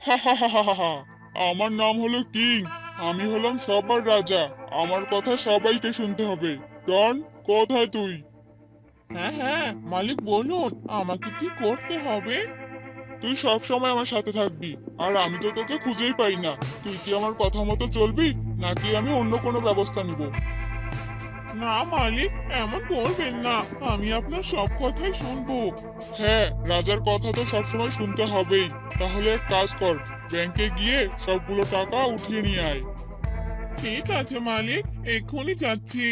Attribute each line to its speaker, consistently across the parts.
Speaker 1: হা হা হা হা হা হা। আমার নাম হলো কিং। আমি হলাম সবার রাজা। আমার কথা সবাইকে শুনতে হবে। ডন, কোথায় তুই? হ্যাঁ হ্যাঁ, মালিক বলুন, আমাকে কি করতে হবে? তুই সব সময় আমার সাথে থাকবি, আর আমি তো তোকে খুঁজেই পাই না। তুই কি আমার কথা মতো চলবি, নাকি আমি অন্য কোনো ব্যবস্থা নিব? না মালিক, এমন করবেন না। আমি আপনার সব কথাই শুনবো। হ্যাঁ, রাজার কথা তো সবসময় শুনতে হবেই। তাহলে এক কাজ কর, ব্যাংকে গিয়ে সবগুলো টাকা উঠিয়ে নিয়ে আয়। ঠিক আছে মালিক, এক্ষুনি যাচ্ছি।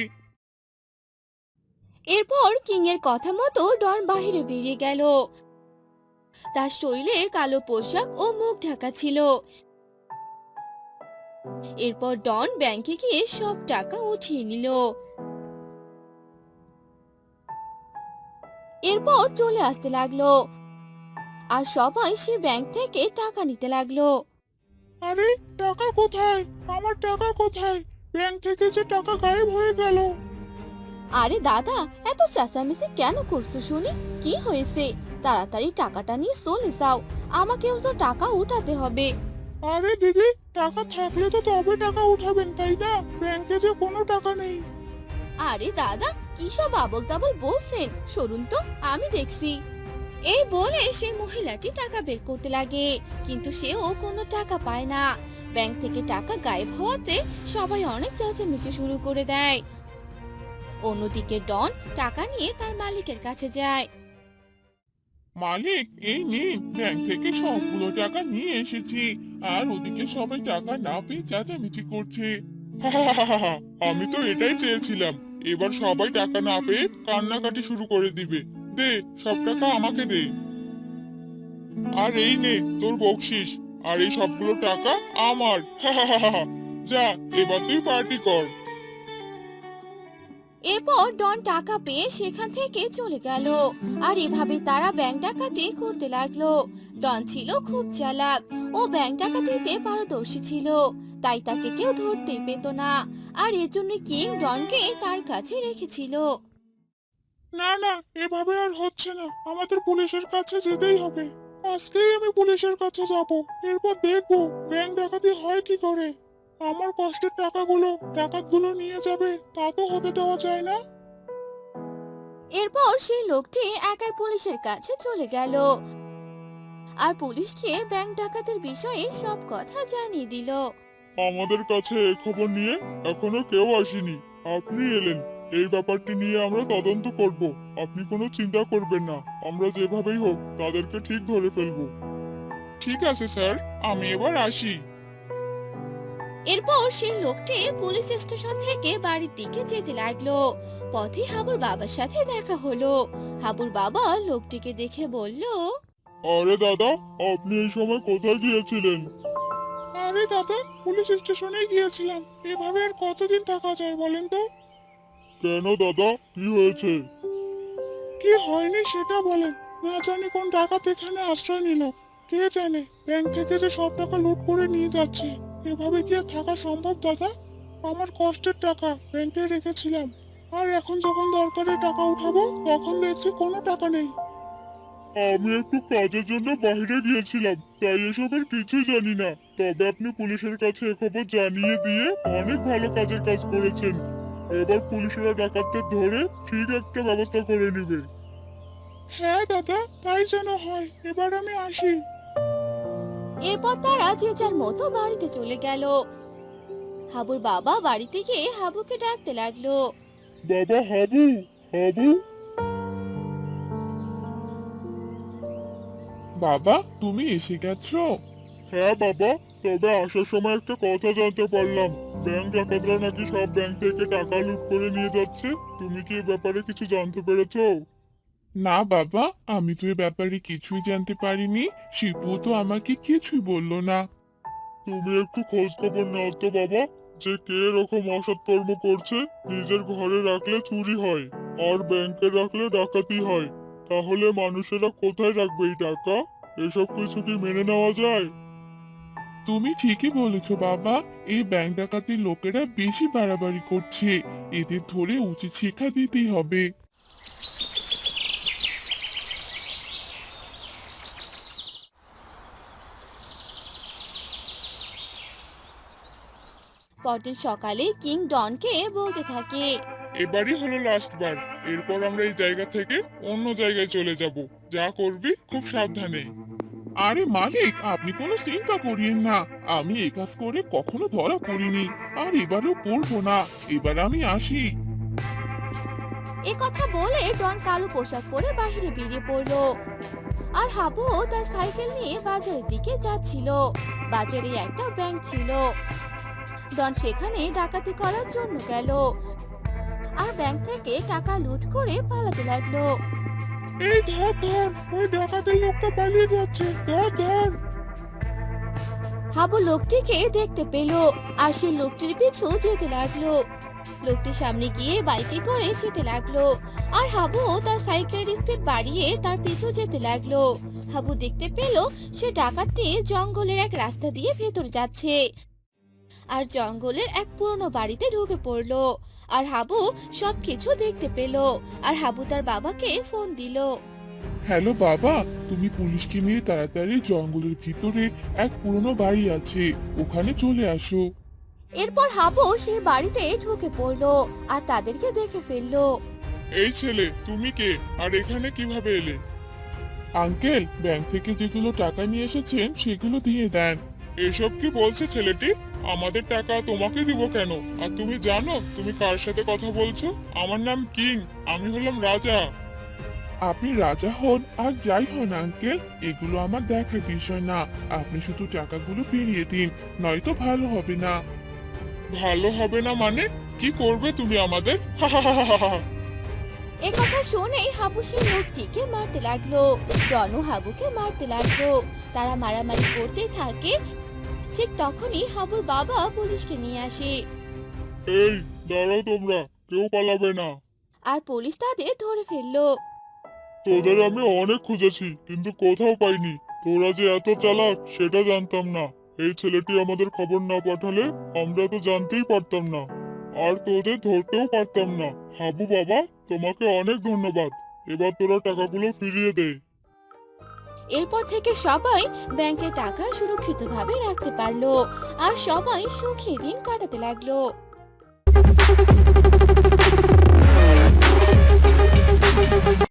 Speaker 2: এরপর কিং এর কথা মতো ডন বাইরে বেরিয়ে গেল। তার শরীরে কালো পোশাক ও মুখ ঢাকা ছিল। এরপর ডন ব্যাংকে গিয়ে সব টাকা উঠিয়ে নিল। এরপর চলে আসতে লাগলো, আর সবাই সে ব্যাংক থেকে টাকা নিতে লাগলো।
Speaker 1: আরে, টাকা কোথায়? আমার টাকা কোথায়? ব্যাংক থেকে যে টাকা গায়েব হয়ে গেল।
Speaker 2: আরে দাদা, এত চেঁচামেচি কেন করছো শুনি? কি হয়েছে? তাড়াতাড়ি টাকাটা নিয়ে চলে যাও, আমাকেও তো টাকা উঠাতে হবে।
Speaker 1: আরে দিদি, টাকা থাকলে তো তবে টাকা উঠাবেন, তাই না? ব্যাংকে যে কোনো টাকা নেই।
Speaker 2: আরে দাদা, কি সব আবোল তাবোল বলছেন? সরুন তো, আমি দেখছি। এই বলে সেই মহিলাটি টাকা বের করতে লাগে, কিন্তু সেও কোনো টাকা পায় না। ব্যাংক থেকে টাকা গায়েব হওয়াতে সবাই অনেক চেঁচামেচি শুরু করে দেয়। অন্যদিকে ডন টাকা নিয়ে তার মালিকের কাছে যায়।
Speaker 1: মালিক, এই নিন, ব্যাংক থেকে সবগুলো টাকা নিয়ে এসেছি। আর ওদিকে সবাই টাকা না পেয়ে চেঁচামেচি করছে। আমি তো এটাই চেয়েছিলাম। এবার সবাই টাকা না পেয়ে কান্নাকাটি শুরু করে দিবে। দে, সব টাকা আমাকে দে। আর এই নে তোর বকশিস। আর এই সবগুলো টাকা আমার। যা, এবার তুই পার্টি কর।
Speaker 2: এরপর ডন টাকা পেয়ে সেখান থেকে চলে গেল। আর এভাবে তারা ব্যাংক ডাকাতি করতে লাগলো। ডন ছিল খুব চালাক, ও ব্যাংক ডাকাতিতে পারদর্শী ছিল, তাই তাকে কেউ ধরতেই পেত না। আর এর জন্য কিং ডনকে তার কাছে রেখেছিল।
Speaker 1: না না, এভাবে আর হচ্ছে না। আমাদের পুলিশের কাছে যেতেই হবে। আজকেই আমি পুলিশের কাছে যাব। এরপর দেখব ব্যাংক ডাকাতি হয় কি করে। আমার কষ্টের টাকাগুলো ডাকাতগুলো নিয়ে যাবে, তা তো হতে দেওয়া যায় না।
Speaker 2: এরপর সেই লোকটি একাই পুলিশের কাছে চলে গেল, আর পুলিশকে ব্যাংক ডাকাতের বিষয়ে সব কথা জানিয়ে দিল।
Speaker 1: আমাদের কাছে এই খবর নিয়ে এখনো কেউ আসেনি। আপনি এলেন। এই ব্যাপারটি নিয়ে আমরা তদন্ত করব। আপনি কোনো চিন্তা করবেন না। আমরা যেভাবেই হোক তাদেরকে ঠিক ধরে ফেলবো। ঠিক আছে স্যার, আমি এবার আসি।
Speaker 2: এরপর সেই লোকটি পুলিশ স্টেশন থেকে বাড়ির দিকে যেতে লাগলো। পথে হাবুর বাবার সাথে দেখা হলো। হাবুর বাবা লোকটিকে দেখে বলল,
Speaker 1: আরে দাদা, আপনি এই সময় কোথায় গিয়েছিলেন? আরে দাদা, পুলিশ স্টেশনে গিয়েছিলাম। এভাবে আর কতদিন থাকা যায় বলেন তো? কেন দাদা, কি হয়েছে? কি হয়নি সেটা বলেন। না জানি কোন ডাকাত এখানে আশ্রয় নিল। কে জানে ব্যাংক থেকে যে সব টাকা লুট করে নিয়ে যাচ্ছে। এভাবে কি আর থাকা সম্ভব দাদা? আমার কষ্টের টাকা ব্যাংকে রেখেছিলাম। আর এখন যখন দরকারে টাকা উঠাবো, তখন দেখছি কোনো টাকা নেই। আমি একটু কাজের জন্য বাইরে গিয়েছিলাম, তাই এসবের কিছুই জানি না। তবে আপনি পুলিশের কাছে খবর জানিয়ে দিয়ে অনেক ভালো কাজের কাজ করেছেন। এবার পুলিশেরা ডাকাতদের ধরে ঠিক একটা ব্যবস্থা করে নেবে। হ্যাঁ দাদা, তাই যেন হয়। এবার আমি আসি।
Speaker 2: এরপর তারা যে যার মতো বাড়িতে চলে গেল। হাবুর বাবা বাড়িতে গিয়ে হাবুকে ডাকতে লাগলো।
Speaker 1: বাবা হাবু, হাবু। বাবা, তুমি এসে গেছো? হ্যাঁ বাবা, তবে আসার সময় একটা কথা জানতে পারলাম। ব্যাংক ডাকাতরা নাকি সব ব্যাংক থেকে টাকা লুট করে নিয়ে যাচ্ছে। তুমি কি এ ব্যাপারে কিছু জানতে পেরেছো? না বাবা, আমি তো এ ব্যাপারে কিছুই জানতে পারিনি। শিপু তো আমাকে কিছুই বললো না। তুমি একটু খোঁজ খবর নাও তো বাবা, যে কে এরকম অসৎ কর্ম করছে। নিজের ঘরে রাখলে চুরি হয়, আর ব্যাংকে রাখলে ডাকাতি হয়। তাহলে মানুষেরা কোথায় রাখবে এই টাকা? এসব কিছু কি মেনে নেওয়া যায়? তুমি ঠিকই বলেছো বাবা। এই ব্যাংক ডাকাতির লোকেরা বেশি বাড়াবাড়ি করছে। এদের ধরে উচিত শিক্ষা দিতেই হবে।
Speaker 2: পরদিন সকালে কিং ডনকে বলতে থাকে।
Speaker 1: এবারই হলো লাস্ট বার। এরপর আমরা এই জায়গা থেকে অন্য জায়গায় চলে যাব। যা করবি খুব সাবধানে। আরে মালিক, আপনি কোনো চিন্তা করিয়েন না। আমি এই কাজ করে কখনো ধরা পড়িনি, আর এবারেও পড়বো না। এবার আমি আসি।
Speaker 2: এ কথা বলে ডন কালো পোশাক পরে বাইরে বেরিয়ে পড়লো। আর হাবু তার সাইকেল নিয়ে বাজারের দিকে যাচ্ছিল। বাজারে একটা ব্যাংক ছিল। ডন সেখানে ডাকাতি করার জন্য গেল আর ব্যাংক থেকে টাকা লুট করে পালাতে লাগলো।
Speaker 1: এই ধর ধর, ওই ডাকাতের লোকটা পালিয়ে যাচ্ছে, ধর ধর।
Speaker 2: হাবু লোকটিকে দেখতে পেল আর সে লোকটির পিছু যেতে লাগলো। লোকটি সামনে গিয়ে বাইকে করে যেতে লাগলো আর হাবু তার সাইকেলের স্পিড বাড়িয়ে তার পিছু যেতে লাগলো। হাবু দেখতে পেল সে ডাকাতটি জঙ্গলের এক রাস্তা দিয়ে ভেতর যাচ্ছে আর জঙ্গলের এক পুরনো বাড়িতে ঢুকে পড়লো। আর হাবু সবকিছু দেখতে পেল আর হাবু তার বাবাকে ফোন দিল।
Speaker 1: হ্যালো বাবা, তুমি পুলিশকে নিয়ে তাড়াতাড়ি জঙ্গলের ভিতরে এক পুরনো বাড়ি আছে, ওখানে চলে আসো।
Speaker 2: এরপর হাবু সেই বাড়িতে ঢুকে পড়লো আর তাদেরকে দেখে ফেললো।
Speaker 1: এই ছেলে, তুমি কে আর এখানে কিভাবে এলে? আঙ্কেল, ব্যাংক থেকে যেগুলো টাকা নিয়ে এসেছেন সেগুলো দিয়ে দেন। এসব কি বলছে ছেলেটি? আমাদের টাকা তোমাকে দিব কেন? আর তুমি জানো তুমি কার সাথে কথা বলছো? আমার নাম কিং, আমি হলাম রাজা। আপনি রাজা হন আর যাই হন আঙ্কেল, এগুলো আমার দেখার বিষয় না। আপনি শুধু টাকাগুলো ফিরিয়ে দিন, নয়তো ভালো হবে না। ভালো হবে না মানে? কি করবে তুমি আমাদের?
Speaker 2: এ কথা শুনে হাবু সেই লোকটিকে মারতে লাগলো। ডনও হাবুকে মারতে লাগলো। তারা মারামারি করতে থাকে। ঠিক তখনই হাবুর বাবা পুলিশকে নিয়ে আসে
Speaker 1: এই দাঁড়াও, তোমরা কেউ পালাবে না।
Speaker 2: আর পুলিশ তাদের ধরে ফেললো।
Speaker 1: তোদের আমি অনেক খুঁজেছি কিন্তু কোথাও পাইনি। তোরা যে এত চালাক সেটা জানতাম না। এই ছেলেটি আমাদের খবর না পাঠালে আমরা তো জানতেই পারতাম না, আর তোদের ধরতেও পারতাম না। হাবু বাবা, তোমাকে অনেক ধন্যবাদ। এবার তোরা টাকাগুলো ফিরিয়ে দে।
Speaker 2: এরপর থেকে সবাই ব্যাংকে টাকা সুরক্ষিতভাবে রাখতে পারলো আর সবাই সুখী দিন কাটাতে লাগলো।